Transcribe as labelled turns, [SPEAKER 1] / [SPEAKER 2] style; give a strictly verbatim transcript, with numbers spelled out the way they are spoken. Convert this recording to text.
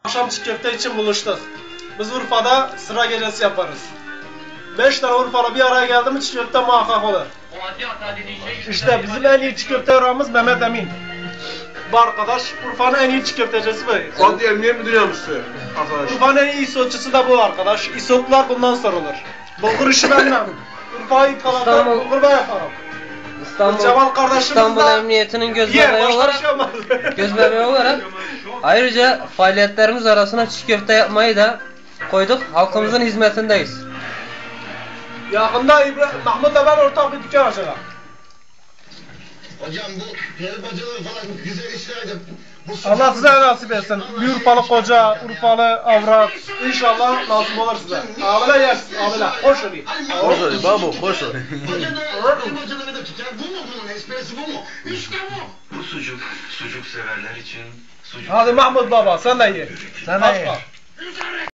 [SPEAKER 1] Akşam çiğ köfte için buluştuk. Biz Urfa'da sıra gecesi yaparız. Beş tane Urfalı bir araya geldi mi çiğ köfte muhakkak olur. İşte bizim en iyi çiğ köfte yorağımız Mehmet Emin. Bu arkadaş Urfa'nın en iyi çiğ köftecisi bu.
[SPEAKER 2] Fatih Emniyet Müdürü Yardımcısı arkadaş.
[SPEAKER 1] Urfa'nın en iyi isotçusu da bu arkadaş. İsotlar bundan sorulur. Bulgur işi benden. Urfa'yı kaladan bulgur ben yaparım.
[SPEAKER 3] İstanbul,
[SPEAKER 1] Cemal kardeşimiz
[SPEAKER 3] İstanbul
[SPEAKER 1] de
[SPEAKER 3] Emniyeti'nin göz
[SPEAKER 1] yer,
[SPEAKER 3] bebeği
[SPEAKER 1] başka
[SPEAKER 3] olarak,
[SPEAKER 1] bir şey olmaz.
[SPEAKER 3] göz bebeği olarak ayrıca faaliyetlerimiz arasına çiğ köfte yapmayı da koyduk. Halkımızın hizmetindeyiz.
[SPEAKER 1] Yakında İbrahim, Mahmut'la ben ortak bir dükkan açacağım.
[SPEAKER 4] Hocam bu peri bacaları falan güzel işlerdi. Bu
[SPEAKER 1] Allah size nasip etsin. Bir Urfalı koca, Urfalı avrat. İnşallah nasip olur size. Abiler yersin, abiler. Hoş olayım.
[SPEAKER 2] Hoş olayım babu, hoş olayım.
[SPEAKER 4] Bacaları, peri bacaları da tutar. Bu mu bunun esprisi bu mu? İşte bu.
[SPEAKER 5] Bu sucuk, sucuk severler için sucuk.
[SPEAKER 1] Hadi Mahmut baba sen de ye.
[SPEAKER 3] Sen de ye.